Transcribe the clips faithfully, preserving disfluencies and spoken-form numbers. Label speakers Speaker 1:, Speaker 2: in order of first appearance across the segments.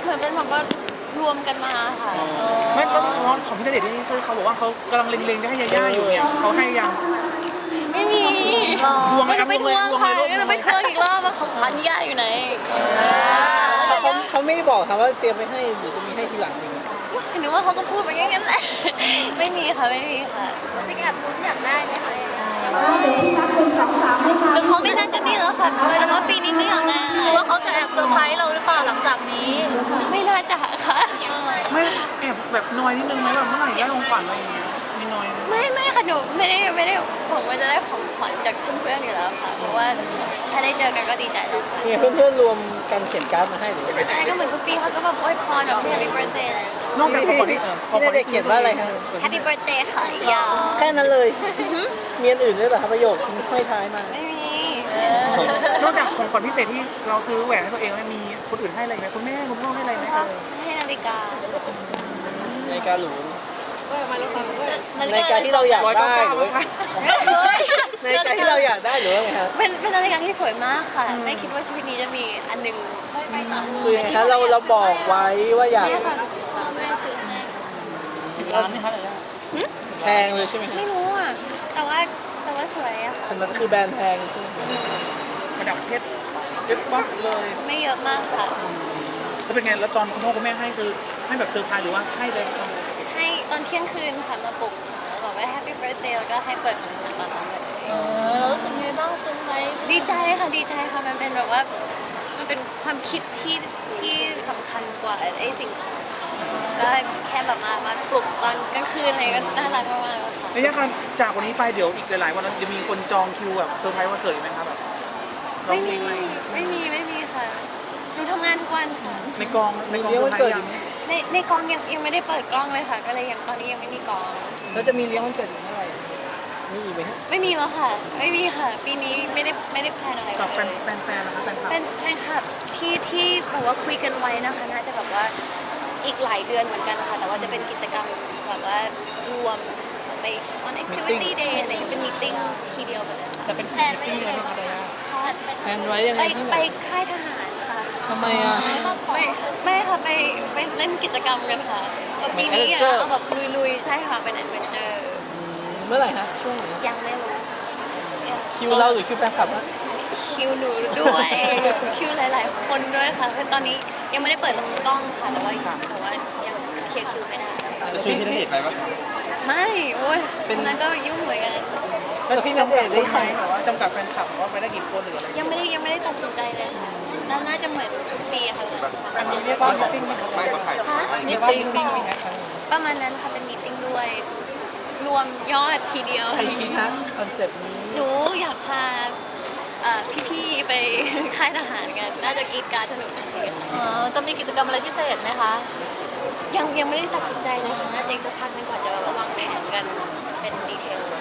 Speaker 1: มือนเป็นแบบว่ารวมกันมาค่ะ
Speaker 2: ไม่ต้องเฉพาะของพี่ณเดชน์นี่คือเขาบอกว่าเขากำลังเล็งๆจะให้ยาย่าอยู่เนี่ยเขาให้ยัง
Speaker 1: ไม่มี
Speaker 2: ทวงไหม
Speaker 1: ก็
Speaker 2: ครั
Speaker 1: จะ
Speaker 2: บ
Speaker 1: ไปทวงค่ะ
Speaker 2: ทวงไหม
Speaker 1: ก็จะไปทวงอีกรอบว่าของขวัญย่าอยู่ไหน
Speaker 3: เขาเขาไม่บอกครับว่าเตรียมไปให้หรือจะมีให้ทีหลังเอง
Speaker 1: หนูว่าเขาก็พูดไปอย่างนั้นแหละไม่มีค่ะไม่มีค่ะจริงแอบรู้อยากได้ไหมคะหรือเขาไม่น่าจะมีแล้วค่ะแต่ว่าปีนี้ก็อยากได้หรือว่าเขาจะแอบเซอร์ไพรส์เราหรือเปล่าหลังจากนี้ ไม่น่าจะค่ะ
Speaker 2: ไม่แอบแบบนอยนิดนึงไหมแบบเมื่อไหร่ได้ของขวัญอะไรอย่างเงี้ยมีนอยไหม
Speaker 1: ไม่ไม่ค่ะหนูไม่ได้ไม่ได้ผมว่าจะได้ของขวัญจากเพื่อนๆอยู่แล้วค่ะเพราะว่าถ้าได้เจอกันก็ดีใจแล้วค่ะ
Speaker 3: เนี่ยเพื่อนๆรวมกันเขียนการ์ดมาให้หรือว่า
Speaker 1: ใช่ก็เหมือนทุกปีเขาก็แบบอวยพรแบบ Happy Birthday เลย
Speaker 2: นอกจากของขวัญที่
Speaker 3: พี่ณเดชน์เขียนว่าอะไรครับ
Speaker 1: Happy Birthday ค่ะยาว
Speaker 3: แค่นั้นเลยมีอันอื่นด้วยเหรอครับประโยคที่ห้อยท้ายมา
Speaker 1: ไม่มี
Speaker 2: นอกจากของขวัญพิเศษที่เราซื้อแหวนให้ตัวเองแล้วมีคนอื่นให้อะไรไหมคุณแม่คุณพ่อให้อะไรไหมครับ
Speaker 1: ให้นาฬิกา
Speaker 3: นาฬิกาหรู
Speaker 1: นา
Speaker 3: นาฬิกาที่เราอยาก
Speaker 2: ร้อยเก้า
Speaker 3: ได้
Speaker 2: เก้า
Speaker 3: หรือว่านาฬิกาที่เราอยากได้หรือว่าไงครับ
Speaker 1: เป็นเป็นนาฬิกาที่สวยมากค่ะ ไม่คิดว่าชีวิตนี้จะมีอันหนึง
Speaker 3: คือยังไงครับเราเราบอกไว้ว่าอยาก
Speaker 1: เนี่ยค่ะพ่อแม่ซื้อให้
Speaker 2: ร้านนี่ครับ
Speaker 3: แพงเลยใช่ไหมครับ
Speaker 1: ไม่รู้อ่ะแต่ว่าแต่ว่าสวยอะค่ะ
Speaker 3: แต่มันคือแบรนด์แพงใช่ไหม
Speaker 2: ประดับเพชรเพชรปั๊บเลย
Speaker 1: ไม่เยอะมากค่ะ
Speaker 2: แล้วเป็นไงแล้วตอนคุณพ่อคุณแม่ให้คือให้แบบเซอร์ไพรส์หรือว่าให้เลย
Speaker 1: ให้ตอนเที่ยงคืนค่ะมาปลุกแล้วบอกว่า Happy Birthday แล้วก็ให้เปิดของขวัญตอนนั้นเลยเออแล้วรู้สึกไงบ้างซึ้งไหมดีใจค่ะดีใจค่ะมันเป็นแบบว่ามันเป็นความคิดที่ที่สำคัญกว่าไอ้สิ่งของก็แค่แบบมามาปลุกตอนกลางคืนอะไรก็น่ารักมากๆค่ะ
Speaker 2: ระยะการจากวันนี้ไปเดี๋ยวอีกหลายๆวันจะมีคนจองคิวแบบเซอร์ไพรส์วันเกิดอีกไหมครับแบบร้อ
Speaker 1: ไม่
Speaker 2: งเพล
Speaker 1: มี
Speaker 2: งไหม
Speaker 1: ไม่มีไม่มีค่ะหนูทำงานทุกวันค่ะ
Speaker 2: ในกองในกอง
Speaker 3: เลี้ยง
Speaker 2: เซอ
Speaker 3: วัน
Speaker 2: ร์ไพร
Speaker 3: เกิด
Speaker 2: ส์
Speaker 3: อ
Speaker 2: ยัง
Speaker 3: ยู่ไหม
Speaker 1: ในในกองยังยังไม่ได้เปิดกล้องเลยค่ะ ก็เลยยังตอนนี้ยังไม่มีกอง
Speaker 3: แล้วจะมีเลี้ยงวันเกิดอีกเมื่อไหร่มีอีกไหมฮะ
Speaker 1: ไม่มีแล้วค่ะ ไม่มีค่ะ ปีนี้ไม่ได้ไม่ได้แพลนอะไร
Speaker 2: กับแฟ
Speaker 1: เล
Speaker 2: น
Speaker 1: ย
Speaker 2: แฟนแฟนนะครับแฟนคลับ
Speaker 1: เป็นแฟนคลับที่ที่แบบว่าคุยกันไว้นะคะน่าจะแบบว่าอีกหลายเดือนเหมือนกันค่ะ แต่ว่าจะเป็นกิจกรรมแบบว่ารวมไป on activity day อะไรอย่างเงี้ยเป็นมีติ้งทีเดียวไปเลยค่ะ
Speaker 2: จะเป็นแฟนไว้ยังไงบ้าง
Speaker 3: แพลนไว้ยังไง
Speaker 1: ไป
Speaker 3: ที่ไหน
Speaker 1: ไปค่ายทหารค่ะ
Speaker 3: ทำไมอ่ะ
Speaker 1: ไม่ไม่ค่ะไปไปเล่นกิจกรรมกันค่ะปีนี้อะ
Speaker 3: Adventure
Speaker 1: เอาแบบลุยๆใช่ค่ะเป็นแอดเวนเจอร์
Speaker 3: เมื่อไหร่ฮะช่วงไหน
Speaker 1: ยังไม่รู้ยัง
Speaker 3: คิวเราหรือคิวแฟนคลับฮะ
Speaker 1: คิวหนูด้วย คิวหลาย ๆ คนด้วยค่ะคือตอนนี้ยังไม่ได้เปิดกล้องค่ะแต่ว่าแต่ว่ายังเคลียร์คิวไม่ได้
Speaker 2: จะชวนพี่ณเดชน์ไปปะ
Speaker 1: ไม่โอ้ยคนนั้นก็ยุ่งเหมือนกัน
Speaker 3: แล้วพี่ณเดชน์ได้
Speaker 2: ได้ไห
Speaker 3: ไห
Speaker 2: ม
Speaker 3: ม
Speaker 2: แบบว่าจำกัดแฟนคลับว่าไปได้กี่คนหรืออะไร
Speaker 1: ยังไม่ได้ยังไม่ได้ตัดสินใจเลยค่ะน่าน่าจะเหมือนทุกปีค่ะ
Speaker 2: อันนี้เรียกว่ามีติ้งไหมครับไม่กับใคร
Speaker 1: ค่ะ
Speaker 2: เรียกว่ามีติ้งไหมครับ
Speaker 1: ประมาณนั้นค่ะเป็นมีตติ้งด้วย รวมยอดทีเดียว
Speaker 3: ใครคิดฮะคอนเซปต์นี้
Speaker 1: หนูอยากพาเอ่อพี่ๆไป ค่ายทหารกัน น่าจะกรีดกรารสนุกกันดีค่ะ
Speaker 4: อ๋อจะมีกิจกรรมอะไรพิเศษไหมคะ
Speaker 1: ยังยังไม่ได้ตัดสินใจเลยค่ะ น่าจะอีกสักพักหนึงกว่าจะแบบว่าวางแผนกันเป็นดีเทล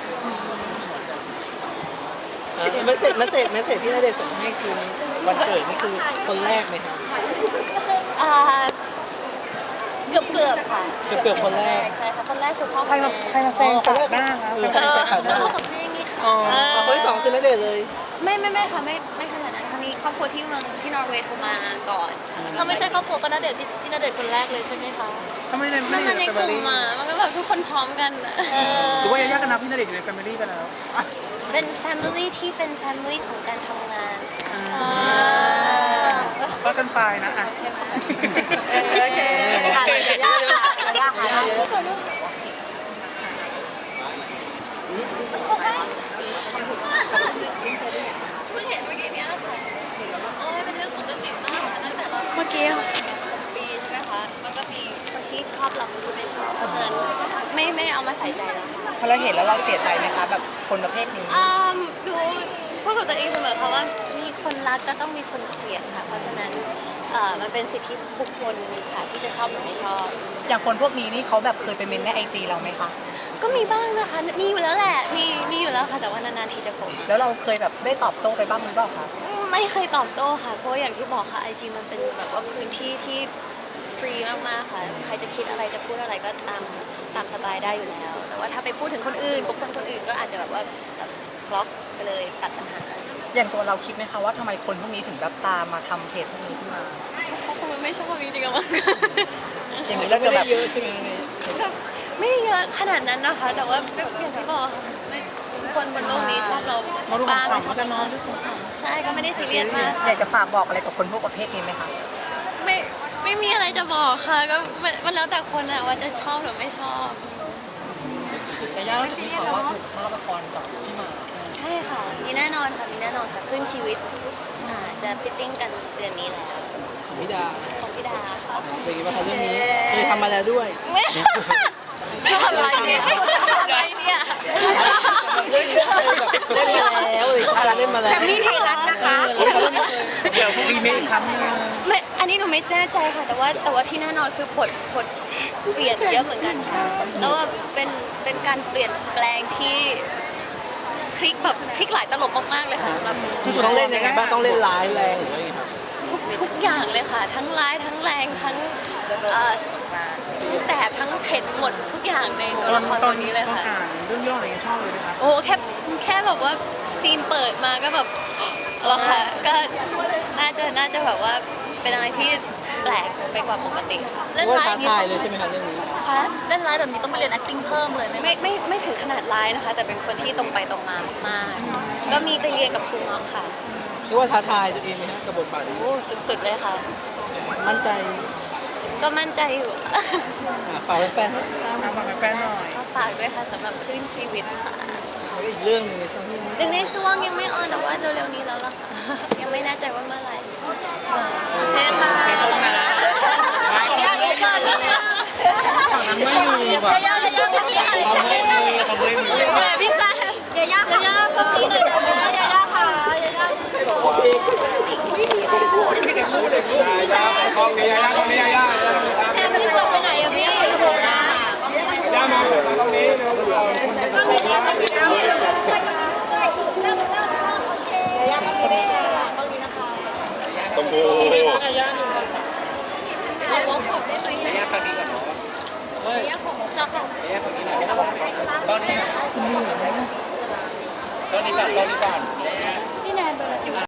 Speaker 3: เมสเซจเมสเซจเมสเซจที่ณเดชน์ส่งให้คือวันเกิดนี่คือคนแรกไหมครับ
Speaker 1: อ่าเกือบเกือบๆค่ะ
Speaker 3: เกือบๆคนแรก
Speaker 1: ใช่ค่ะ คนแรกคือพ่อ
Speaker 2: ใครมาใครมาแซงตัดหน้าครับ
Speaker 3: เออ
Speaker 2: ใคร
Speaker 3: ใคร
Speaker 2: มา
Speaker 3: จะขัดหน้า
Speaker 1: พ่อกับแม่นี่ค่ะ
Speaker 2: อ๋อ
Speaker 3: เอาคนที่สองคือณเดชน์เลย
Speaker 1: ไม่ไม่ไม่ค่ะไม่ไม่ขนาดนั้นครั้งนี้ครอบครัวที่เมืองที่นอร์เวย์โทรมาก่อน
Speaker 4: ถ้าไม่ใช่ครอบครัวก็ณเดชน์พี่พี่ณเดชน์คนแรกเลยใช่ไหมคะ
Speaker 2: ทำไมใน
Speaker 1: มั
Speaker 2: ไม่
Speaker 1: น
Speaker 2: ได้
Speaker 1: มาใน
Speaker 2: ใน
Speaker 1: ก
Speaker 2: แฟมิ
Speaker 1: ลุ่ม
Speaker 2: ลี่
Speaker 1: มามันก็แบบทุกคนพร้อมกันอะ
Speaker 2: หรือว่ายาย่ากันนะพี่ณเดชน์อยู่ในแฟมิลี่ไปแล้วอ่ะ
Speaker 1: เป็น family ที่เป็น family ของการทำงาน
Speaker 2: ก็กันไปนะอ่ะ
Speaker 1: โอเคค่ะยากค่ะยากค่ะเพิ่งเห็นเมื่อกี้เนี้ยค่ะโอ้ยเป็นเรื่องปกติมากค่ะตั้งแต่เราเมื่อกี้ปีใช่ไหมคะมันก็มีคนที่ชอบเราคนที่ไม่ชอบเพราะฉะนั้นไม่ไม่เอามาใส่ใจแล้วค่ะ
Speaker 5: พอเราเห็นแล้วเราเสียใจไหมคะแบบคนประเภทนี้
Speaker 1: อืมดูพูดกับตัวเองเสมอค่ะว่ามีคนรักก็ต้องมีคนเกลียดค่ะ เพราะฉะนั้นเอ่อมันเป็นสิทธิบุคคลค่ะที่จะชอบหรือไม่ชอบ
Speaker 5: อย่างคนพวกนี้นี่เขาแบบเคยไปเมนในไอจีเราไหมคะ
Speaker 1: ก็มีบ้างนะคะ มีอยู่แล้วแหละ มีมีอยู่แล้วค่ะ แต่ว่านานๆทีจะโผล่มา
Speaker 5: แล้วเราเคยแบบได้ตอบโต้ไปบ้างหรือเปล่าคะ
Speaker 1: ไม่เคยตอบโต้ค่ะ เพราะว่าอย่างที่บอกค่ะไอจีมันเป็นแบบว่าพื้นที่ที่ฟรีมากๆค่ะ ใครจะคิดอะไรจะพูดอะไรก็ตามตามสบายได้อยู่แล้ว แต่ว่าถ้าไปพูดถึงคนอื่นบุคคลคนอื่นก็อาจจะแบบว่าแบบบล็อกไปเลยตัดปัญหา
Speaker 5: อย่างตัวเราคิดไหมคะว่าทำไมคนพวกนี้ถึงแบบตามมาทำเพจพวกนี้ขึ้นมา
Speaker 1: เขาคงไม่ไม่ชอบจริงๆอะมั้ง
Speaker 5: อย่างนี้
Speaker 3: เรา
Speaker 5: เรา
Speaker 3: จะ
Speaker 5: จะ
Speaker 3: แบ
Speaker 5: แบบ บ
Speaker 3: เยอะใช่ไหม
Speaker 1: แบบไม่ได้เยอะขนาดนั้นนะคะ แต่ว่าแบบอย่างที่บอกค่ะไม่ทุกคนบนโลกนี้ชอบเรา
Speaker 2: มาดู
Speaker 1: บ้าง
Speaker 2: ขำ
Speaker 1: ไม่
Speaker 2: ๆ
Speaker 1: ชอ
Speaker 2: แล้
Speaker 1: บ
Speaker 2: วกันเนาะ
Speaker 1: ใช่ก็ไม่ได้ซีเรียสมาก
Speaker 5: อยากจะฝากบอกอะไรกับคนพวกประเภทนี้ไหมคะ
Speaker 1: ไม่ไม่มีอะไรจะบอกค่ะ ก็มันมันแล้วแต่คนอะว่าจะชอบหรือไม่ชอบ
Speaker 3: แต่ย่าจะมีข่าวว่าถูกภาพละครกับพี่หมาก
Speaker 1: ใช่ค่ะ มีแน่นอนค่ะ มีแน่นอนค่ะขึ้นชีวิตอ่าจะฟิตติ้งกันเดือนนี้แล้ว
Speaker 3: ของพี่ดา
Speaker 1: ของพี่ดาค่ะ
Speaker 3: เป็นยังไงบ้างคะเรื่องนี้เคยทำมาแล้วด้วย
Speaker 1: อะไรเนี่ยอะไรเนี่ย
Speaker 3: เรื่องนี้เคยแบบเล่นมาแล้วเลยค่ะเล่นมาแล้ว
Speaker 5: แซมมี่ไทยรัฐนะคะ
Speaker 2: เดี๋ยวรีเมคอีกครั้งหนึง
Speaker 1: ไม่ อันนี้หนูไม่แน่ใจค่ะ แต่ว่าแต่ว่าที่แน่นอนคือบทบทเปลี่ยนเยอะเหมือนกันค่ะ แล้วว่าเป็นเป็นการเปลี่ยนแปลงที่พลิกแบบพลิกหลายตลบมากๆเลยค่ะสำหรับหนู
Speaker 3: คือต้องเล่นยังไงบ้างต้องเล่นร้ายแรงหรือว่ายังไงครับ
Speaker 1: ทุกทุกอย่างเลยค่ะ ทั้งร้ายทั้งแรงทั้งเอ่อแสบทั้งเผ็ดหมดทุกอย่างในตัวละคร
Speaker 2: ต
Speaker 1: ตั
Speaker 2: อ
Speaker 1: วน นี้เลย
Speaker 2: ตอน
Speaker 1: ค่ะ
Speaker 2: อ่านเรื่องย่ออะไรเงี้ยชอบเลยไหมครับ
Speaker 1: โอ้แค่แค่แบบว่าซีนเปิดมาก็แบบแล้วค่ะ ก็น่าจะน่าจะแบบว่าเป็นอะไรที่แปลกไปกว่าปกติค่ะ
Speaker 3: เล่นว่าท้าทายเลยใช่ไหมคะเรื่องนี้
Speaker 1: คะ
Speaker 4: เล่นร้ายแบบนี้ต้องไปเรียน acting เพิ่มเลยไหม
Speaker 1: ไม่ไม่ไม่ถึงขนาดร้ายนะคะ แต่เป็นคนที่ตรงไปตรงมามากๆก็มีไปเรียนกับครูเงาะค่ะ
Speaker 3: คิดว่าท้าทายตัวเองไหมฮะกับบทบาทนี้
Speaker 1: โอ้สุดๆเลยค่ะ
Speaker 3: มั่นใจ
Speaker 1: ก็มั่นใจอยู่
Speaker 3: อ่ะฝากแฟนๆครับตาม
Speaker 2: ตามฟังแฟนๆหน่อย
Speaker 1: ก็ฝากด้วยค่ะสำหรับคลื่นชีวิตค่ะ
Speaker 3: แล้วก็อีกเรื่องหนึงในสังคม
Speaker 1: หนึ่งในช่วงยังไม่ออนแต่ว่าเร็วๆนี้แล้วล่ะค่ะ ยังไม่แน่ใจว่าเมื่อไหร่โอเคค่ะอยากอีกก่อนนะคะ
Speaker 2: ไม่อยู่แบบ
Speaker 1: ยายายาทำยังไง
Speaker 2: เขาไม่มือเขาไม่มือ
Speaker 1: พี่คะยายาค่ะยายาทำยังไงยายาค่ะยายา
Speaker 2: ของนี้ยายาของนี้ยายา
Speaker 1: แซมพี่กลับไปไหนอะพี่
Speaker 2: ยามาตรงนี้
Speaker 6: ชมพู
Speaker 1: ขอวอล์กช็อปได้ไหม
Speaker 2: ยาฝั่งนี้ก่อนเนาะ
Speaker 1: ยายาของค่ะ
Speaker 2: ยาฝั่งนี้หน่อยตอนนี้ตอนนี้ก่อนตอนนี้ก่อน